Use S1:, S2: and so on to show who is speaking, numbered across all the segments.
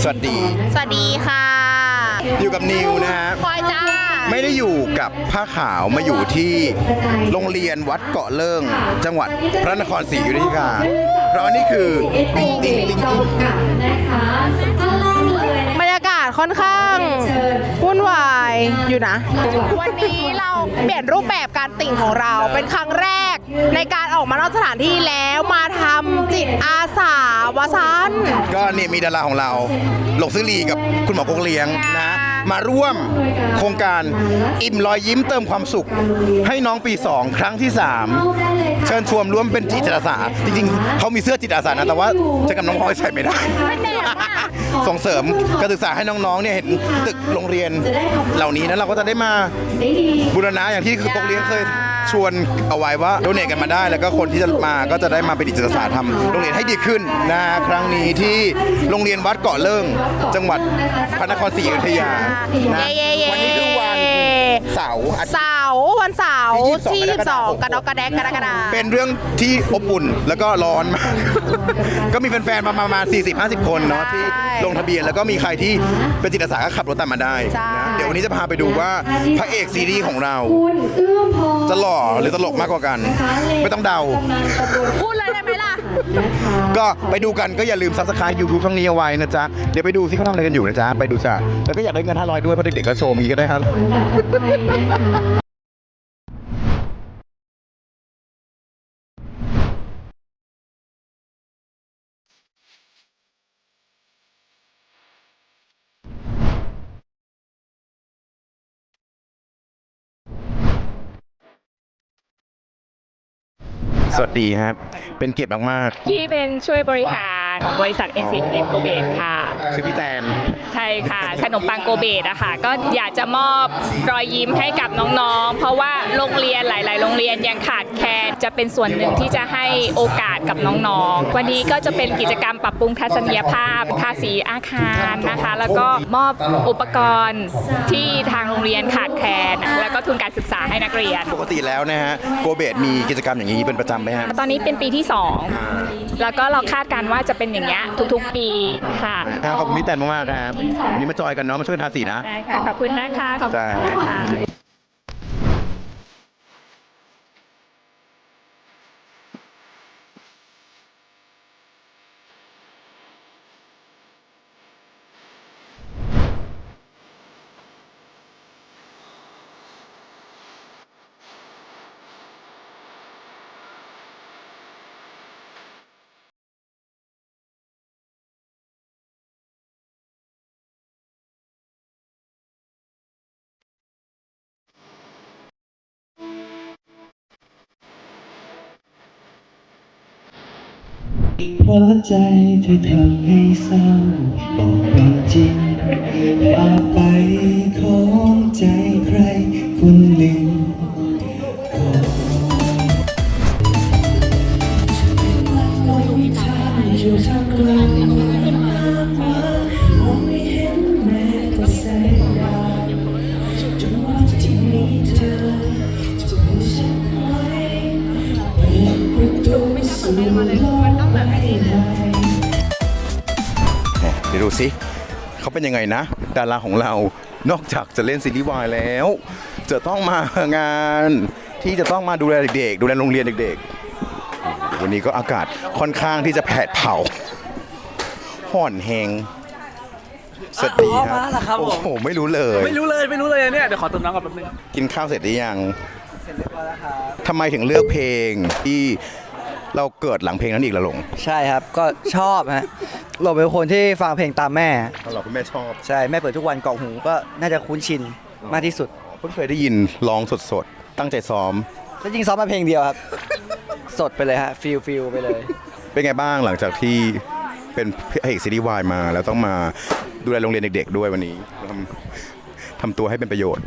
S1: วัสดี
S2: ค่ะ
S1: อยู่กับนิวนะฮะ
S2: พลอยจ้า
S1: ไม่ได้อยู่กับผ้าขาวมาอยู่ที่โรงเรียนวัดเกาะเลิ่งจังหวัดพระนครศรีอยุธยาเพราะนี่คือติ๊ง
S2: บรรยากาศค่อนข้างวุ่นวายอยู่นะวันนี้เราเปลี่ยนรูปแบบการติ่งของเราเป็นครั้งแรกในการออกมานอกสถานที่แล้วมาทำจิตอาสาวสัน
S1: ก็เนี่ยมีดาราของเราหลงซื้อลีกับคุณหมอโกงเลี้ยงนะมาร่วมโครงการอิ่มรอยยิ้มเติมความสุขให้น้องปี 2 ครั้งที่ 3 เชิญชวนร่วมเป็นจิตอาสาจริงๆเขามีเสื้อจิตอาสานะแต่ว่าจะกับน้องพลอยใส่ไม่ได้ส่งเสริมการศึกษาให้น้องๆเนี่ยเห็นตึกโรงเรียนเหล่านี้นะเราก็จะได้มาบูรณะอย่างที่คือโกงเลี้ยงเคยชวนเอาไว้ว่าโดเนทกันมาได้แล้วก็คนที่จะมาก็จะได้มาเป็นจิตอาสาทำโรงเรียนให้ดีขึ้นนะครั้งนี้ที่โรงเรียนวัดเกาะเลิ่งจังหวัดพระนครศรีอยุธยานะวันนี้คือวันเสาร์วันเสาร์ที่22กรกฎาคมเป็นเรื่องที่อบอุ่นแล้วก็ร้อนมากก็มีแฟนๆประมาณ 40-50 คนเนาะที่ลงทะเบียนแล้วก็มีใครที่เป็นจิตอาสาก็ขับรถตามมาได้นะเดี๋ยววันนี้จะพาไปดูว่าพระเอกซีรีส์ของเราจะหล่อหรือตลกมากกว่ากันไม่ต้องเดา
S2: พูดเลยได้ไหมล่ะ
S1: ก็ไปดูกันก็อย่าลืม Subscribe YouTube ช่องนี้เอาไว้นะจ๊ะเดี๋ยวไปดูซิเขาทำอะไรกันอยู่นะจ๊ะไปดูจ้ะแล้วก็อยากได้เงิน500ด้วยเพราะเด็กๆก็โชว์มีก็ได้ครับสวัสดีครับเป็นเกียรติมาก
S3: ๆที่เป็นช่วยบริหารของบริษัท NCM โกเบตค่ะ
S1: คือพี่แตน
S3: ใช่ค่ะขนมปังโกเบตอะค่ะก็อยากจะมอบรอยยิ้มให้กับน้องๆเพราะว่าโรงเรียนหลายๆโรงเรียนยังขาดแคลนจะเป็นส่วนหนึ่งที่จะให้โอกาสกับน้องๆวันนี้ก็จะเป็นกิจกรรมปรับปรุงทัศนียภาพทาสีอาคารนะคะแล้วก็มอบอุปกรณ์ที่ทางโรงเรียนขาดแคลนแล้วก็ทุนการศึกษาให้นักเรียน
S1: ปกติแล้วนะฮะโกเบตมีกิจกรรมอย่างนี้เป็นประจำไหมฮะ
S3: ตอนนี้เป็นปีที่2แล้วก็เราคาดการณ์ว่าจะเป็นอย่างเงี้ยทุกๆปีค่ะ
S1: ขอบคุณพี่แตนมากๆครับวันนี้มาจอยกันเนาะมาช่วยทาสีนะ
S3: ได้ค่ะขอบคุณนะคะขอบคุณค่ะ
S4: เพราะใจเธอทำให้เศร้าบอกความจริงฝากไปของใจใครคนหนึ่งอยู่ท่ามกลางมองไม่เห็นแม้แต่แสงดาวจนวันที่มีเธอจะมีฉันไว้เปิดประตูสู่โลก
S1: เดี๋ยวดูสิเขาเป็นยังไงนะดาราของเรานอกจากจะเล่นซีรีส์วายแล้วจะต้องมางานที่จะต้องมาดูแลเด็กๆดูแลโรงเรียนเด็กๆวันนี้ก็อากาศค่อนข้างที่จะแผดเผาห่อนแหงสวัสดีครับโอ้โหไม่รู้เลย
S5: เนี่ยเดี๋ยวขอเติมน้ำก่อนแป๊บนึง
S1: กินข้าวเสร็จหรือยังเสร็จเรียบร้อยแล้วครับทำไมถึงเลือกเพลงที่เราเกิดหลังเพลงนั้นอีกละหลง
S6: ใช่ครับก็ชอบฮะหลงเป็นคนที่ฟังเพลงตามแม่
S1: เราคุณแม่ชอบ
S6: ใช่แม่เปิดทุกวันกล่องหูก็น่าจะคุ้นชินมากที่สุด
S1: เพิ่งเคยได้ยินร้องสดๆตั้งใจซ้อม
S6: จริงซ้อมมาเพลงเดียวครับสดไปเลยฮะฟิลไปเลย
S1: เป็นไงบ้างหลังจากที่เป็นพระเอกซีรีส์วายมาแล้วต้องมาดูแลโรงเรียนเด็กๆด้วยวันนี้ทำตัวให้เป็นประโยชน์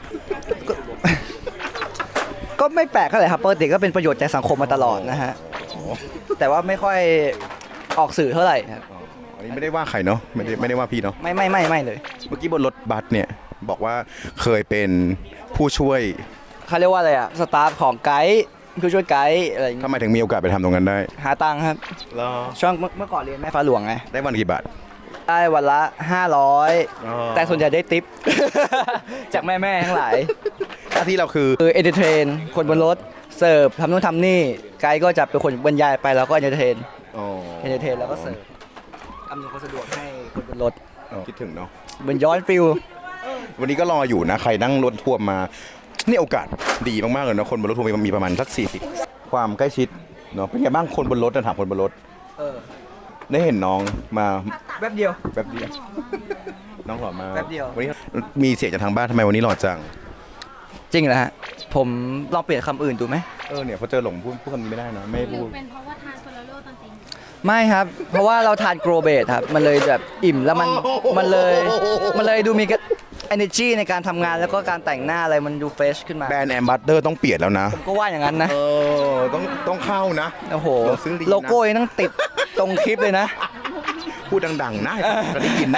S6: ก็ไม่แปลกเท่าไหร่ครับปกติก็เป็นประโยชน์แก่สังคมมาตลอดนะฮะแต่ว่าไม่ค่อยออกสื่อเท่าไหร่ครับ
S1: อันนี้ไม่ได้ว่าใครเนาะไม่ได้ว่าพี่เนาะ
S6: ไม่เลย
S1: เมื่อกี้บนรถบัสเนี่ยบอกว่าเคยเป็นผู้ช่วย
S6: เขาเรียกว่าอะไรอะสตาฟของไกด์ผู้ช่วยไกด์อะไร
S1: ทำไมถึงมีโอกาสไปทำตรงนั้นได้
S6: หาตังค์ครับช่วงเมื่อก่อนเรียนแม่ฟ้าหลวงไง
S1: ได้วันกี่บาท
S6: ได้วันละ 500 แต่ส่วนใหญ่ได้ติป จากแม่ๆทั้งหลาย
S1: หน้าที่เราคือ
S6: คือเอนเตอร์เทนคนบนรถเสิร์ฟทำนู่นทำนี่ไกด์ก็จะเป็นคนบรรยายไปแล้วก็เอนเตอร์เทน
S1: อ๋อ
S6: เอนเตอร์เทนแล้วก็เสิร์ฟอำนวยความสะดวกให้คนบนรถ
S1: คิดถึงเนาะ
S6: เหมือนย้อนฟิล
S1: วันนี้ก็รออยู่นะ ใครนั่งรถทัวร์มา นี่โอกาสดีมากๆเลยนะคนบนรถทัวร์มีประมาณสัก40 ความใกล้ชิดเนาะเป็นไงบ้างคนบนรถนะถามคนบนรถได้เห็นน้องมา
S6: แป๊บเดียว
S1: แป๊บเดียวน้องหล่อมาก
S6: แป๊บเดียว
S1: วันนี้มีเสียงจากทางบ้านทำไมวันนี้หล่อจัง
S6: จริงเหรอฮะผมลองเปลี่ยนคำอื่นดูไหม
S1: เนี่ยพอเจอหลงพูดคำนี้ไม่ได้นะไม่พูด
S7: เป็นเพราะว่าทานโซลาโร่ตอนตี
S6: ไม่ครับ เพราะว่าเราทานโกรเบตครับมันเลยแบบอิ่มแล้วมันเลยดูมี energy ในการทำงานแล้วก็การแต่งหน้าอะไรมันดูเฟรชขึ้นมา
S1: แบรนด์แอมบัตเดอร์ต้องเปลี่ยนแล้วนะ
S6: ผมก็ว่าอย่างนั้นนะ
S1: ต้องเข้านะ
S6: โอ้โห
S1: ลงซื้อดีนะ
S6: โลโก้ยังต้องติดตรงคลิปเลยนะ
S1: พูดดังๆนะจะได้ยินนะ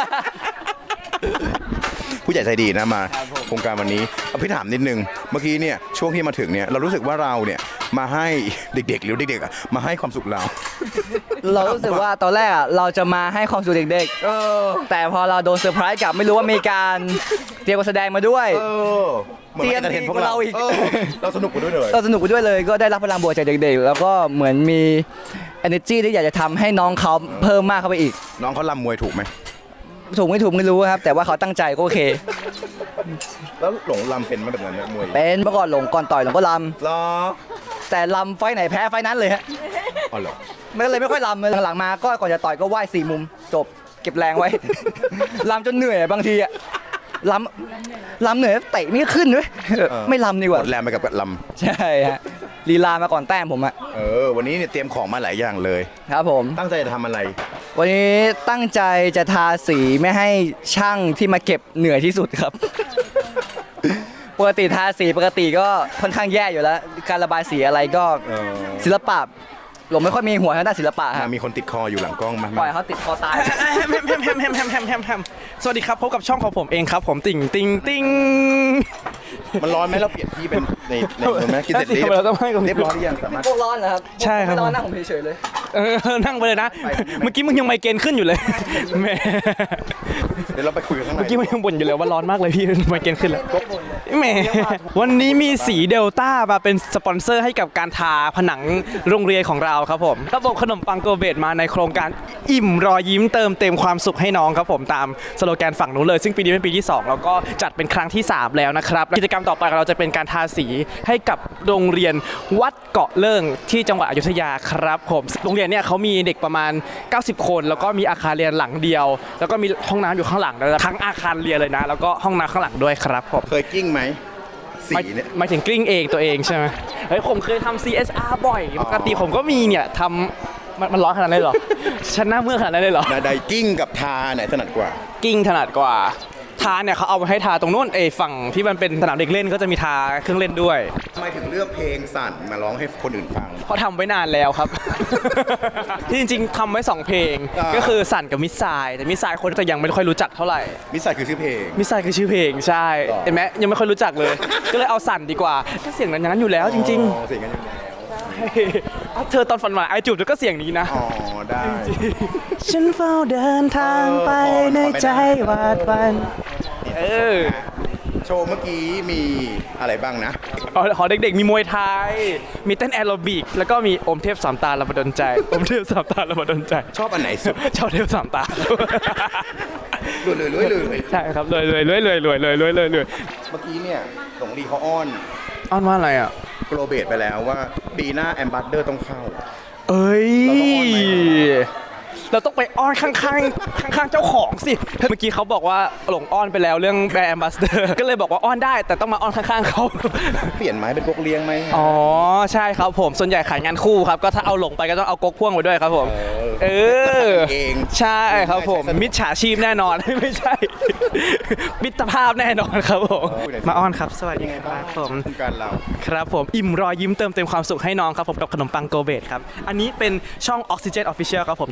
S1: ผู้ใหญ่ใจดีนะมาโครงการวันนี้เอาพี่ถามนิดนึงเมื่อกี้เนี่ยช่วงที่มาถึงเนี่ยเรารู้สึกว่าเราเนี่ยมาให้เด็กๆหรือเด็กๆอะมาให้ความสุขเรา
S6: เรารู้สึกว่าตอนแรกอะเราจะมาให้ความสุขเด็กๆแต่พอเราโดนเซอร์ไพรส์กลับไม่รู้ว่ามีการเตรียมการแสดงมาด้วย
S1: เหมือนมาเอนเตอร์เทนพวกเรา
S6: อีก
S1: เราสนุกไปด้วยเลย
S6: เราสนุกไปด้วยเลยก็ได้รับพลังบวกจากเด็กๆ แล้วก็เหมือนมี energy ที่อยากจะทำให้น้องเขาเพิ่มมากเข้าไปอีก
S1: น้องเขาลำมวยถูกไหม
S6: ถูกไม่ถูกไม่รู้ครับ แต่ว่าเขาตั้งใจก็โอเค
S1: แล้วหลงลำเป็นไหมแบบนั้นเนี่ยมวย
S6: เป็นเมื่อก่อนหลงก่อนต่อยหลงก็ล
S1: เหรอ
S6: ำแต่ลำไฟไหนแพ้ไฟนั้นเลยฮะ
S1: อ๋อเหรอ
S6: มันก็เลยไม่ค่อยลำเลยหลังๆมาก็ก่อนจะต่อยก็ไหว้4 มุมจบเก็บแรงไว้ ลำจนเหนื่อยบางทีอะลำเหนื่อยเตะไม่ขึ้นด้วยไม่ลำดีก
S1: หม
S6: ว่า
S1: ดแรงไปกับล
S6: ใช่ฮะลีลามาก่อนแต้มผมอะ
S1: ำวันนี้เนี่ยเตรียมของมาหลายอย่างเลย
S6: ครับผม
S1: ตั้งใจจะทำอะไร
S6: วันนี้ตั้งใจจะทาสีไม่ให้ช่างที่มาเก็บเหนื่อยที่สุดครับ ปกติทาสีปกติก็ค่อนข้างแย่อยู่แล้ว การระบายสีอะไรก็ศิลปะหลงไม่ค่อยมีหัวทางด้านศิลปะครับ
S1: มีคนติดคออยู่หลังกล้องมา
S6: ปล่อยเขาติดคอตาย
S5: แฮมสวัสดีครับพบกับช่องของผมเองครับผมติ่งติ่งติ่ง
S1: มันร้อนไหมเราเปลี่ยนที่เป็นในตรงนั้นกินเสร็จ
S5: ทำไมเราต้องให้กับ
S1: เรียบร้อยหรือยังสามารถ
S6: พวกร้อนเหรอครับ
S5: ใช่ครับ
S6: ไม่ร้อนนะผมเฉยๆเลย
S5: นั่งไปเลยนะ เมื่อกี้มึงยังไมเกรนขึ้นอยู่เลยแหม่
S1: เดี๋ยวเราไปคุยกันข้างใน
S5: เมื่อกี้มันยังบ่นอยู่เลยว่าร้อนมากเลยพี่ไมเกรนขึ้นแล้วแหม่วันนี้มีสีเดลต้ามาเป็นสปอนเซอร์ให้กับการทาผนังโรงเรียนของเราครับผมระบบขนมปังโกเบตมาในโครงการอิ่มรอยยิ้มเติมเต็มความสุขให้น้องครับผมตามสโลแกนฝั่งนู้นเลยซึ่งปีนี้เป็นปีที่2แล้วก็จัดเป็นครั้งที่3แล้วนะครับกิจกรรมต่อไปของเราจะเป็นการทาสีให้กับโรงเรียนวัดเกาะเลิ่งที่จังหวัดอยุธยาครับผมโรงเรียนเนี่ยเขามีเด็กประมาณ90 คนแล้วก็มีอาคารเรียนหลังเดียว แล้วก็มีห้องน้ำอยู่ข้างหลังด้วยทั้งอาคารเรียนเลยนะแล้วก็ห้องน้ำข้างหลังด้วยครับผม
S1: เคยกิ้งไหมสีเนี่ย
S5: หมายถึงกลิ้งเองตัวเองใช่ไหมเฮ้ยผมเคยทำ CSR บ่อยปกติผมก็มีเนี่ยทำมันร้อนขนาดนั้นเลยเหรอ ฉันหน้าเมื่อยขนาดนั้นเลยเหรอ
S1: ไดกิ้งกับทาไหนถนัดกว่า
S5: กิ้งถนัดกว่าทาเนี่ยเขาเอามาให้ทาตรงนู้นฝั่งที่มันเป็นสนามเด็กเล่นก็จะมีทาเครื่องเล่นด้วย
S1: ทำไมถึงเลือกเพลงสั่นมาร้องให้คนอื่นฟัง
S5: เพราะทำไว้นานแล้วครับ ที่จริงๆทำไว้2เพลง ก็คือสั่นกับมิสไซล์แต่มิสไซล์คนจะยังไม่ค่อยรู้จักเท่าไหร่
S1: มิสไซคือชื่อเพลง
S5: มิสไซล์คือชื่อเพลงใช่เห็นไหมยังไม่ค่อยรู้จักเลย ก็เลยเอาสั่นดีกว่าถ้าเสียงนั้นอย่างนั้นอยู่แล้วจริง
S1: อ๋อเสียงกันอยู่แล้ว
S5: ๆเธอตอนฝันหวานไอจูบก็เสียงนี้นะ
S1: อ๋อได้
S5: ฉันเฝ้าเดินทางไปในใจหวาดหวั่น
S1: โชว์เมื่อกี้มีอะไรบ้างนะ
S5: ขอเด็กๆมีมวยไทย มีเต้นแอโรบิก แล้วก็มีอมเทพสามตาละมาดนใจ อมเทพสามตาละมาดนใจ
S1: ชอบอันไหนสุด
S5: ชอบเทพสามตา
S1: รวย
S5: ใช่ครับเลย
S1: เมื่อกี้เนี่ยหลงลีเขาอ้อน
S5: อ้อนว่าอะไรอ่ะ
S1: โกลเบตไปแล้วว่าปีหน้าแอมบัตเดอร์ต้องเข้า
S5: เอ้ย
S1: เราต้องอ้อนไหม
S5: เราต้องไปอ้อนข้างๆเจ้าของสิ เมื่อกี้เขาบอกว่าหลงอ้อนไปแล้วเรื่องแบรนด์แอมบาสเดอร์ ก็เลยบอกว่าอ้อนได้แต่ต้องมาอ้อนข้างๆเขา
S1: เปลี่ยนไหมเป็นกกเลี้ยงไหม
S5: อ๋อใช่ครับผมส่วนใหญ่ขายงานคู่ครับก็ถ้าเอาหลงไปก็ต้องเอาก๊กพ่วงไปด้วยครับผมเออ
S1: เอง
S5: ใช่ครับผมมิจฉาชีพแน่นอน ไม่ใช่ มิตรภาพแน่นอนครับผมมาอ้อนครับสวัสดีครับผม
S1: โครงการเรา
S5: ครับผมอิ่มรอยยิ้มเติมเต็มความสุขให้น้องครับผมกับขนมปังโกเบตครับอันนี้เป็นช่อง Oxygen Official ครับผมจากรายการ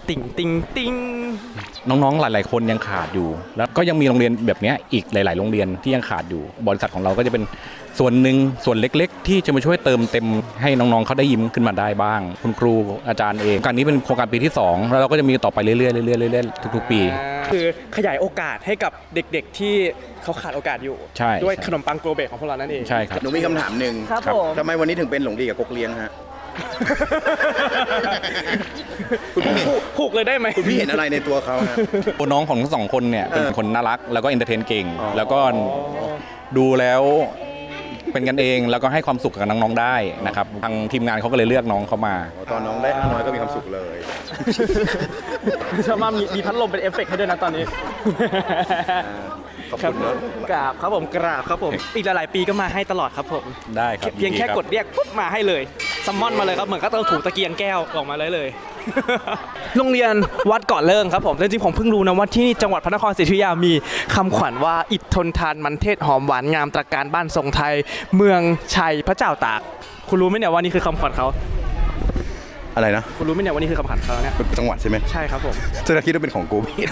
S5: ติ่งติงติง
S7: น้องๆ หลายๆ คนยังขาดอยู่ แล้วก็ยังมีโรงเรียนแบบเนี้ยอีกหลาย ๆ โรงเรียนที่ยังขาดอยู่ บริษัทของเราก็จะเป็นส่วนหนึ่งส่วนเล็กๆ ที่จะมาช่วยเติมเต็มให้น้องๆ เขาได้ยิ้มขึ้นมาได้บ้าง คุณครูอาจารย์เองโครงการนี้เป็นโครงการปีที่ 2 แล้วเราก็จะมีต่อไปเรื่อยๆเรื่อยๆเรื่อยๆทุกๆ ปี
S5: คือขยายโอกาสให้กับเด็กๆที่เขาขาดโอกาสอยู่
S7: ใช่
S5: ด้วยขนมปังโกเบกของพวกเรานั่นเอง
S7: ใช่ครับ
S1: หนูมีคำถามหนึ่ง
S5: ครับผม
S1: ทำไมวันนี้ถึงเป็นหลงดีกับกกเลี้ยงฮะ คุณพี่
S5: ผูกเลยได้ไหม
S1: คุณพี่เห็นอะไรในตัวเขาฮะ
S7: ตัวน้องของทั้งสองคนเนี่ยเป็นคนน่ารักแล้วก็เอนเตอร์เทนเก่ง
S1: อ๋อ
S7: แล้วก็ดูแล้วเป็นกันเองแล้วก็ให้ความสุขกับน้องๆได้นะครับทางทีมงานเขาก็เลยเลือกน้องเขามา
S1: ตอนน้องได้น้อยก็มีความสุขเลย
S5: ชอบมากมีพัดลมเป็นเอฟเฟกต์ให้ด้วยนะตอนนี้
S1: ขอบคุณเนอะ
S5: กราบครับผมกราบครับผมอีกหลายๆปีก็มาให้ตลอดครับผม
S7: ได้ครับ
S5: เพียงแค่
S7: ยินดีรับ
S5: กดเรียกปุ๊บมาให้เลยซัมมอนมาเลยครับเหมือนก็ต้องถูกตะเกียงแก้วออกมาเลย โรงเรียนวัดเกาะเลิงครับผมจริงๆผมเพิ่งรู้นะว่าที่จังหวัดพระนครศรีอยุธยามีคำขวัญว่าอิฐทนทานมันเทศหอมหวานงามตระการบ้านทรงไทย เมืองชัยพระเจ้าตาก คุณรู้ไหมเนี่ยว่านี่คือคำขวัญเขา
S1: อะไรนะ
S5: คุณรู้ไหมเนี่ยว่านี่คือคำขวัญเขาเนี่ย
S1: เป็นจังหวัดใช่ไหม
S5: ใช่ครับผม
S1: จะคิดว่าเป็นของกูพี่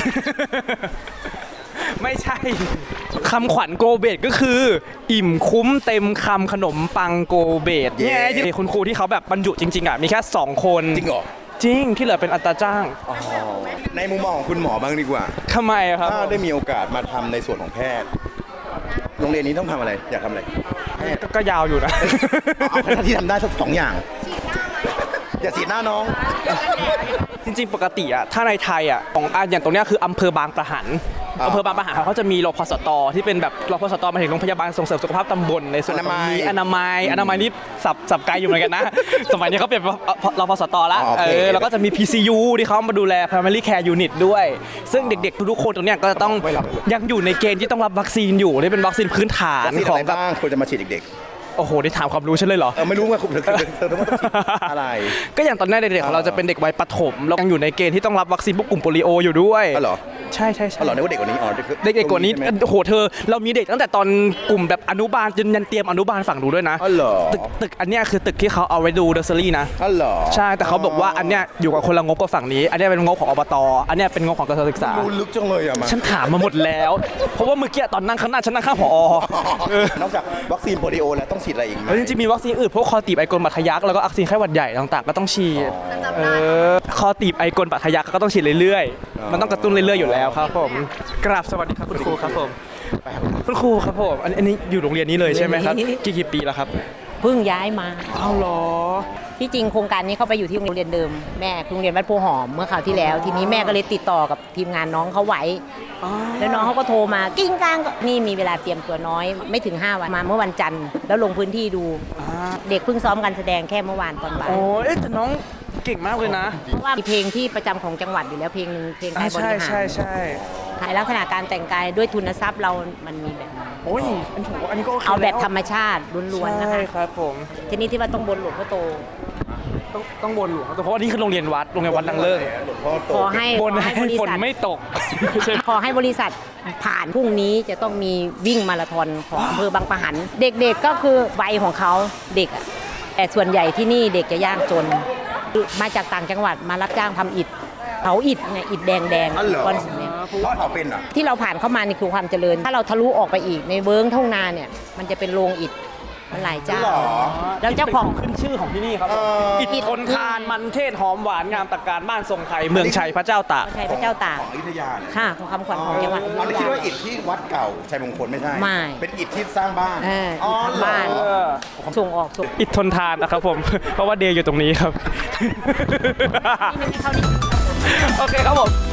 S5: ไม่ใช่คำขวัญโกเบตก็คือ อิ่มคุ้มเต็มคำขนมปังโกเบต
S1: เย้
S5: เนี่ยคุณครูที่เขาแบบบรรจุจริงๆอ่ะมีแค่2 คน
S1: จริงเหรอ
S5: จริงที่เหลือเป็นอัตราจ้าง
S1: ในมุมมองของคุณหมอบ้างดีกว่า
S5: ทำไมอะครับ
S1: ถ้าได้มีโอกาสมาทำในส่วนของแพทย์ โรงเรียนนี้ต้องทำอะไร อยากทำอะไร
S5: ก็ยาวอยู่นะ
S1: เอาแค่ที่ทำได้สัก2 อย่าง อย่าสีดหน้าน้อง
S5: จริงๆ ปกติอะถ้าในไทยอะของอย่างตรงเนี้ยคืออำเภอบางปะหัน
S1: อ่า
S5: อำเภอบางปะหันเขาจะมีรพสตที่เป็นแบบรพสตหมายถึงโรงพยาบาลส่งเสริมสุขภาพตำบลในส่วนของนี้อนามัยนี่สับไกลอยู่เหมือนกันนะ สมัยนี้เขาเปลี่ยนรพสตละ
S1: อ๋อโอเค
S5: แล้วก็จะมี PCU ที่เขามาดูแล Primary Care Unit ด้วย ซึ่งเด็กๆทุกๆคนตรงเนี้ยก็จะต้องยังอยู่ในเกณฑ์ที่ต้องรับวัคซีนอยู่นี่เป็นวัคซีนพื้นฐาน
S1: วัคซีน
S5: ข
S1: อะ
S5: อง
S1: ไร
S5: กับ
S1: บ้างควรจะมาฉีดเด็ก
S5: โอ้โหได้ถามความรู้ฉันเลยเหรอ
S1: ๆไม่รู้ว่าคุณเธอต้องมาฉีดอะไร
S5: ก็อย่างตอนแรกเด็กๆของเราจะเป็นเด็กวัยประถมแล้วยังอยู่ในเกณฑ์ที่ต้องรับวัคซีนพวกกลุ่มโปลิโออยู่ด้วย
S1: อ๋อเหรอ
S5: ใช่ใช่
S1: อ๋อเหรอนึกว่าเด็กกว่านี้อ๋อ
S5: เด็กๆกว่านี้
S1: ใช่ไหม
S5: โอ้โหเธอเรามีเด็กตั้งแต่ตอนกลุ่มแบบอนุบาลจนยันเตรียมอนุบาลฝั่งดูด้วยนะ
S1: อ๋อเหรอ
S5: ตึกอันเนี้ยคือตึกที่เขาเอาไว้ดูเดอร์เซอรี่นะ
S1: อ๋อเหรอ
S5: ใช่แต่เขาบอกว่าอันเนี้ยอยู่กับคนละงบกับฝั่งนี้ อันเนี้ยเป็นงบของอบตอันเนี้ยเป็นงบของกระทรวงศึกษา
S1: รู้ลึกจังเลยอะมา
S5: ฉันถามมาหมดแล้ว เพราะว่าเมื่อกี้ตอนนั่งข้างหน้าฉันนั่งข้างผอ
S1: นอกจากวัคซีนโปลิโอแล้วต้องฉีดอะไรอีกไหม
S5: แล้วจริงๆมีวัคซีนอื่นพวกคอตีบไอกลบาดทะยักแล้วก็วัคซีนไข้หวัดใหญ่ต่างๆก็ต้องฉีดคอตีบไอกลบาดทะยักก็ต้องฉีดเรื่อยๆมันต้องกระตุ้นเรื่อยๆอยู่แล้วครับผมกราบสวัสดีครับคุณครูครับผมคุณครูครับผมอันนี้อยู่โรงเรียนนี้เลยใช่ไหมครับกี่ปีแล้วครับ
S8: เพิ่งย้ายมา
S5: อ้าวเหรอ
S8: ที่จริงโครงการนี้เข้าไปอยู่ที่โรงเรียนเดิมแม่โรงเรียนวัดโพหอมเมื่อคราวที่แล้ว ทีนี้แม่ก็เลยติดต่อกับทีมงานน้องเขาไว้ แล้วน้องเขาก็โทรมากิ้งกลางก็นี่มีเวลาเตรียมตัวน้อย ไม่ถึง 5 วันมาเมื่อวันจันทร์แล้วลงพื้นที่ดู เด็กเพิ่งซ้อมการแสดงแค่เมื่อวานตอนบ่าย
S5: โอ้ยแต่น้องเก่งมากเลยนะ
S8: เพราะว่ามีเพลงที่ประจำของจังหวัดอยู่แล้วเพลงหนึ่งเพลงไทยบริหาร
S5: ใช่
S8: ถ่ายลักษณะการแต่งกายด้วยทุนทรัพย์เรามันมีแบบนั้น
S5: โอ้ยอันนี้ก็โอเค
S8: เอาแบบ
S5: ล้ว
S8: ธรรมชาติล้วนๆนะ
S5: ใช่
S8: คะ
S5: ครับผม
S8: ทีนี้ที่ว่าต้องบนหลวงพ่อโต
S5: ต้องบนหลวงเพราะว่านี่คือโรงเรียนวัดนางเลิศ
S8: ขอให้
S5: บน
S8: ขอ
S5: ให้
S8: บริ
S5: ฝน
S8: ษัท
S5: ไม่ตก
S8: ขอให้บริษัทผ่านพรุ่งนี้จะต้องมีวิ่งมาราธอนของอำเภอบางปะหัน เด็กๆก็คือวัยของเขาเด็กอะแต่ส่วนใหญ่ที่นี่เด็กจะยากจน มาจากต่างจังหวัดมารับจ้างทำอิฐเผาอิฐเนี่ยอิฐแดง
S1: อ๋อเหรอ
S8: ก้อนสีแดง
S1: เพราะเขาเป็นเหรอ
S8: ที่เราผ่านเข้ามานี่คือความเจริญ ถ้าเราทะลุออกไปอีกในเวิ้งทุ่งนาเนี่ยมันจะเป็นโรงอิฐมันหลายเจ้า
S1: เหรอ
S8: แล้วเจ้าของ
S5: ขึ้นชื่อของที่นี่ครับ
S8: อิ
S5: อิ
S8: ฐ
S5: ฐทนทานมันเทศหอมหวานงามตระการบ้านทรงไทยเมืองชัยพระเจ้าตาก
S8: ชัยพระเจ้าตาก
S1: ของอยุธยาเนี่ย
S8: ค่ะของคำขวัญของจังหวัดอยุ
S1: อัน
S8: ธ
S1: นี้คิด
S8: ยา
S1: ว่าอิฐที่วัดเก่าชัยมงคลไม่ใช่
S8: ไม่
S1: เป็นอิฐที่สร้างบ้าน
S8: อิฐทำบ้าน
S1: เหรอ
S8: ส่งออกส่ง
S5: อิฐทนทานนะครับผม เพราะว่าเดย์อยู่ตรงนี้ครับ
S8: นี่ไม่เข้านี่
S5: โอเคครับผม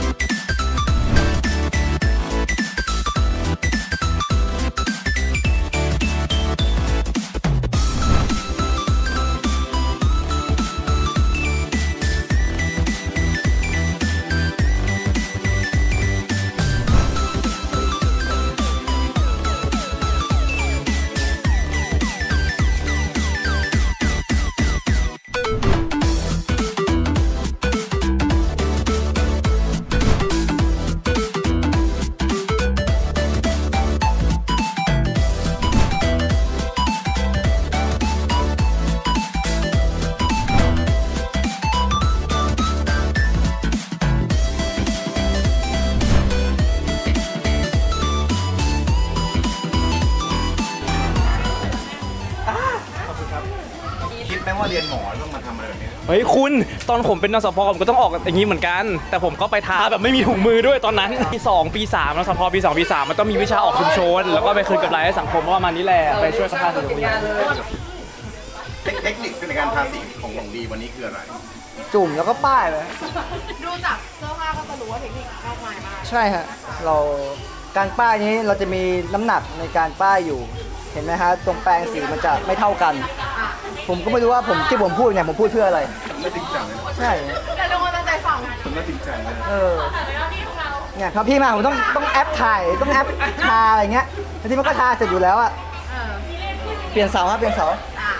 S1: ว่าเรียนหมอต้องมาทำอะไรแบบนี้
S5: เฮ้ยคุณตอนผมเป็นนสพผมก็ต้องออกอย่างนี้เหมือนกัน แต่ผมก็ไปทาแบบไม่มีถุงมือด้วยตอนนั้นปี2ปี3นสพปี2ปี3มันต้องมีวิชาออกชุมชนแล้วก็ไปคืนกำไรให้สังคมประมาณนี้แหละไปช่วยสภาสังคม
S1: เทคนิคในการทาสีของหลงดีวันนี้คืออะไร
S6: จุ่มแล้วก็ป้ายไป
S2: ดูจากเสื้อผ้าก็จะรู้ว่าเทคนิคมากมายมาก
S6: ใช่ฮะเราการป้ายนี้เราจะมีน้ำหนักในการป้ายอยู่ เห็นไหมฮะตรงแปรงสีมันจะไม่เท่ากัน ผมก็ไม่รู้ว่าที่ผมพูดเนี่ยผมพูดเพื่ออะไร
S1: ไม่จริงจังเลยนะ
S6: ใช่
S2: แต่ทุกคนตั้งใจฟัง
S1: ผมไม่จริงจังเลยนะ
S6: เนี่ยครับพี่มาผมต้องแอปถ่ายต้องแอปทาอะไรเงี้ยแล้วที่มันก็ทาเสร็จอยู่แล้วอะเปลี่ยนเสาครับเปลี่ยนเสา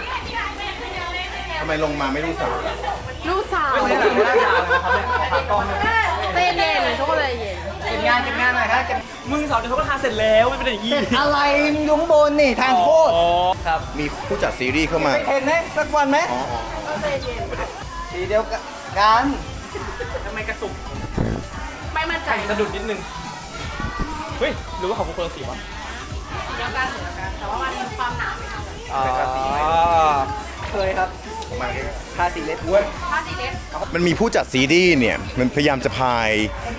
S1: ทำไมลงมาไม่รู้สาวล่ะ
S2: ลูกสาว
S5: ไม่ได้ไม่ได้ยาเลยนะครับเนี่ยขอผ่านกล้องเนี่ย
S2: เต้นเย็นทุกคนเลยเย็น
S6: เก็บงานหน่อยครับเก็บ
S5: มึงสาวเดี๋ยวเขาก็ทาเสร็จแล้วไม่เป็นอย่างนี้
S6: อะไรมึงอยู่ข้างบนนี่ทางโทษ
S5: อ๋อครับ
S1: มีผู้จัดซีรีส์เข้ามา
S6: เห็นไหมสักวันไหม
S1: อ๋อ
S6: สีเดียวกัน
S5: ทำไมกระตุก
S2: ไม่มั่นใจ
S5: สะดุดนิดนึงเฮ้ยหรือว่าเขาเป็นคนละสีวะ
S2: เดียวกันเหมือนกันแต่ว่ามันมีความหนาไม่เท่ากัน
S5: อ๋อ
S6: เคยครับ
S1: มาใกล้
S6: ทาสีเล็บ
S2: ถ้าสีเล็ก
S1: ๆมันมีผู้จัดซีรีส์เนี่ย มันพยายามจะพาย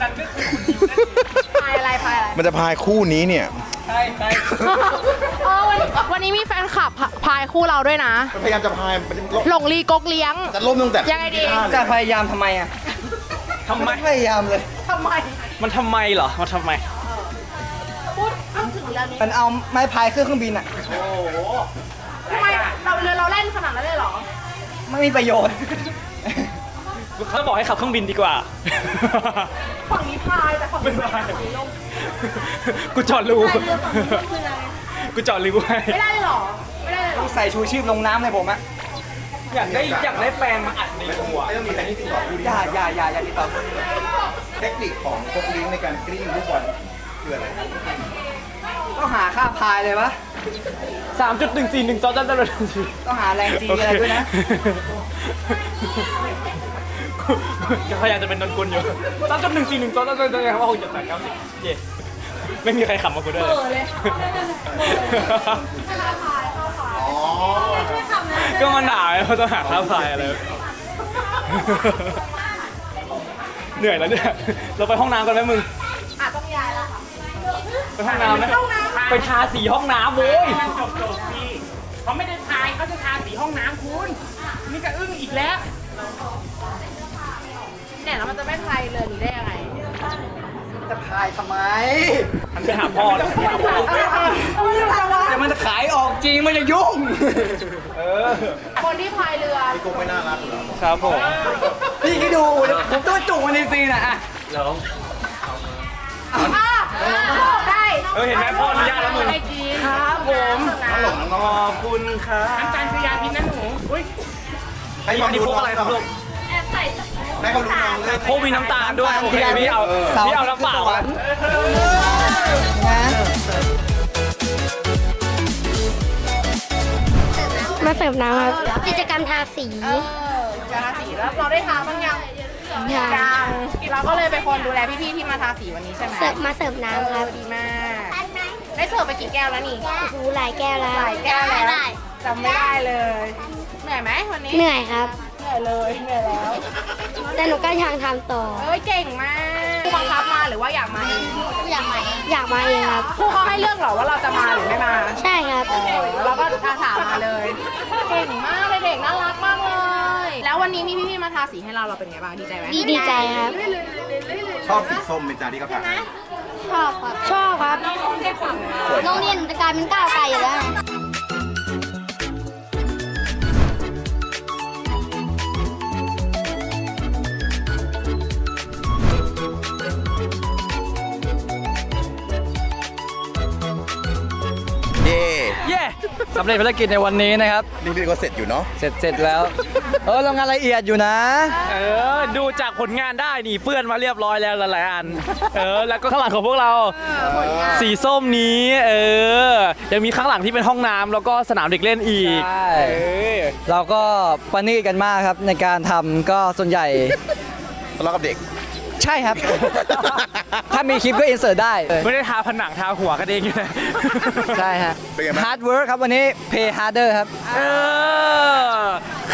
S2: พายอะไรพายอะไร
S1: มันจะพายคู่นี้เนี่ย
S5: ใช่ใช่
S2: วันนี้มีแฟนคลับพายคู่เราด้วยนะ
S1: มันพยายามจะพายมันจะล่ม
S2: หลงลีกกเลี้ยง
S1: จะล่มตั้งแต่
S2: ยังไงดี
S6: จะพยายามทำไมอะ
S5: ทำไม
S6: พยายามเลย
S2: ทำไม
S5: มันทำไมเหรอมันทำไม
S2: พูดถึงเรื่องนี้
S6: มันเอาไม้พายขึ้นเครื่องบินอะ
S2: ทำไมเรือเราเล่นขนาดนั้นเลยเหรอ
S6: ไม่มีประโยชน์
S5: เขาบอกให้ขับเครื่องบินดีกว่า
S2: ฝั่งนี้พายแต่ฝั่งนี้
S5: ไม่พาย
S2: ฝั่งนี้ลง
S5: กูจอดรู
S2: พายเรือฝั่งนี้คืออะไร
S5: กูจอดรูให้
S2: ไม่ได้เลยเหรอ ไม่ได้เลยเหรอ
S6: ใส่ชูชีพลงน้ำเลยผมอะ
S5: อยากได้แปลงมาอัดในหัว
S1: ไม่ต้องมีใครที่ติดต่อคู่นี้
S6: อย่าติดต่อ
S1: เทคนิคของพวกเลี้ยงในการกลิ้งลูกบอลคืออะไร
S6: ต้องหาค่าพายเลยวะ
S5: 3.141
S6: ต้องหาแรงจีอะไรด้วยนะ
S5: ก็พยายามจะเป็นนนกุลอยู่3.141ว่าคงจะ890เย่ไม่มีใครขำมากูด้วยก็มันหนาวเขาต้องหาค่าพายอะไรเหนื่อยแล้วเนี่ยเราไปห้องน้ำกันไหมมึง
S2: ต้องย้ายแล้วค่ะ
S5: ไปห้องน้ำไหมไปทาสีห้องน้ำโว้ย
S9: จบพี่เขาไม่ได้ทายเขาจะทาสีห้องน้ำคุณ นี่ก็อึ้งอีกแล้ว
S2: เนี่ยแล้วมันจะไม่พายเรือนี้ได้ยังไง
S6: จะพายทำไม
S5: มันไปหาพ่อแล้ว
S6: แต่มันจะขายออกจริงมันจะยุ่ง
S2: คนที่พายเรือ
S1: พี่กุ๊กไม่น่ารักเหรอ
S5: ครับผม
S6: พี่คิดดูผมต้องจุกมันในซีนอะ
S5: แล้ว
S2: ได้
S5: เห็นไหมพ่ออนุญาตแล้วมึง
S2: ให้กิน
S5: ครับผมขอบคุณครับ
S9: น้ำตาลชยาพินนะหนูอุ้ย
S1: ให้ความ
S5: นี่
S1: รู้
S5: พวกอะไรครับลูก
S1: ให้ความรู้น้องเลย
S5: พวกมีน้ำตาลด้วยโอเคพี่เอาน้ำเปล่าอะ
S6: นะ
S10: มาเสิร์ฟน้ำครับ กิจกรรมทาสี
S2: จะทาสีแล้วเราได้ทาบ้างยังยังเราก็เลยเป็นคนดูแลพี่ๆที่มาทาสีวันนี้ใช่ไหม
S10: มาเสิร์ฟน้ำครับ
S2: ดีมาก ได้เสิร์ฟไปกี่แก้วแล้วนี่
S10: โอ้โหหลายแก้วแล้ว
S2: หลายแก้วแล้วจำไม่ได้เลย เหนื่อยไหมวันนี้
S10: เหนื่อยครับ
S2: เหนื่อยเลยเหนื่อยแล้ว
S10: แต่หนูก็ยังทำต่อ
S2: เอ้ยเก่งมากครูบังคับมาหรือว่าอยากมาเอง
S10: อยากมาเองครับ
S2: ครูเขาให้เลือกเหรอว่าเราจะมาหรือไม่มา
S10: ใช่ครับ
S2: เราก็อาสามาเลย เก่งมากเลยเด็กน่ารักมากเลย แล้ววันนี้มีพี่ๆมาทาสีให้เราเป็นไงบ้างดีใจไหม
S10: ดีใจครับ
S1: ชอบสีส้มเป็นจานที่เขาทาให้
S10: ชอบครับ ชอบครับโรงเรียนจะกลายเป็นก้าวไกลอยู่แล้ว
S1: เย่
S5: เย่
S6: สำเร็จภารกิจในวันนี้นะครับ
S1: นี่พี่ก็เสร็จอยู่เนาะ
S6: เสร็จแล้วเรางานละเอียดอยู่นะ
S5: ดูจากผลงานได้นี่เปื้อนมาเรียบร้อยแล้วหลายๆอันแล้วก็ข้างหลังของพวกเราสีส้มนี้ยังมีข้างหลังที่เป็นห้องน้ำแล้วก็สนามเด็กเล่นอีก
S6: ใช่ เราก็ประณีตกันมากครับในการทำก็ส่วนใหญ่
S1: ทะเลาะกับเด็ก
S6: ใช่ครับ ถ้ามีคลิปก็อินเสิร์ตได้
S5: ไม่ได้ทาผนังทาหัวกันเองนะ
S6: ใช่ฮะ
S1: เป็นไงบ้าง
S6: ฮาร์ดเวิร์คครับวันนี้ pay harder ครับ
S5: ใค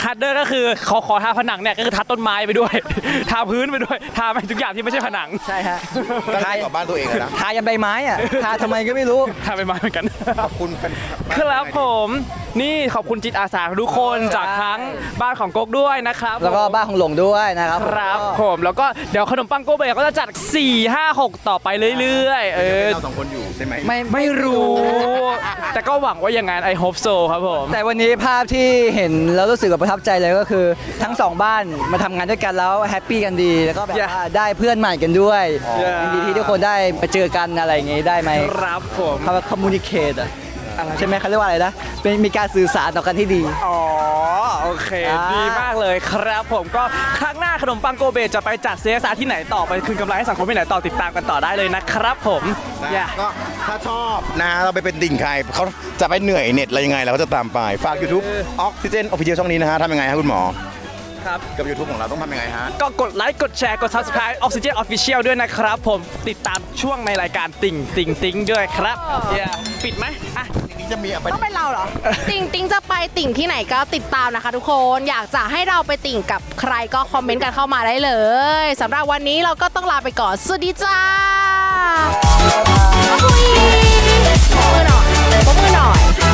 S5: ฮาร์ดเดอร์ก็คือขอทาผนังเนี่ยก็คือทาต้นไม้ไปด้วย ทาพื้นไปด้วยทาไปทุกอย่างที่ไม่ใช่ผนัง
S6: ใช่ฮะ
S1: ตั้งใจกับบ้านตัวเองอะนะ
S6: ทายันใบไม้อ่ะทาทำไมก็ไม่รู้
S5: ทาไปไม้เหมือนกัน
S1: ขอบคุณแฟน
S5: ครับผมนี่ขอบคุณจิตอาสาทุกคนจากทั้งบ้านของก๊กด้วยนะครับ
S6: แล้วก็บ้านของหลงด้วยนะครับ
S5: ครับผมแล้วก็เดี๋ยวขนมปังโกเบก็จะจัด 4 5 6 ต่อไปเรื่อยๆ
S1: เราสองคนอยู่ใช่ไหม
S5: ไม่รู้ แต่ก็หวังว่าอย่างนั้น I hope so ครับผม
S6: แต่วันนี้ภาพที่เห็นแล้วรู้สึกประทับใจเลยก็คือทั้งสองบ้านมาทำงานด้วยกันแล้วแฮปปี้กันดี แล้วก็แบบว่าได้เพื่อนใหม่กันด้วยยินดีที่ทุกคนได้มาเจอกันอะไรอย่างงี้ได้ไหม
S5: ครับผม
S6: คำว่า communicate อะใช่ไหมเขาเรียกว่าอะไรนะเป็นมีการสื่อสารต่อกันที่ดี
S5: อ๋อโอเค ดีมากเลยครับผมก็ครั้งหน้าขนมปังโกเบจะไปจัด CSR ที่ไหนต่อไปคืนกำไรให้สังคมที่ไหนต่อติดตามกันต่อได้เลยนะครับผม
S1: ก็ถ้าชอบนะเราไปเป็นติ่งใครเขาจะไปเหนื่อยเน็ตอะไรยังไงเราก็จะตามไปฝาก YouTube Oxygen Official ช่องนี้นะฮะทำยังไงฮะคุณหมอ
S5: ครับ
S1: กับ YouTube ของเราต้องทำยังไงฮะ
S5: ก็กดไลค์กดแชร์กด Subscribe Oxygen Official ด้วยนะครับผมติดตามช่วงในรายการติ่งด้วยครับปิดไหมอ่ะ
S1: นี่จะมีอะไร
S2: ต้องเป็นเราเหรอ ติ่งติ่งจะไปติ่งที่ไหนก็ติดตามนะคะทุกคนอยากจะให้เราไปติ่งกับใครก็คอมเมนต์กันเข้ามาได้เลยสำหรับวันนี้เราก็ต้องลาไปก่อนสวัสดีจ้าปรบมือหน่อย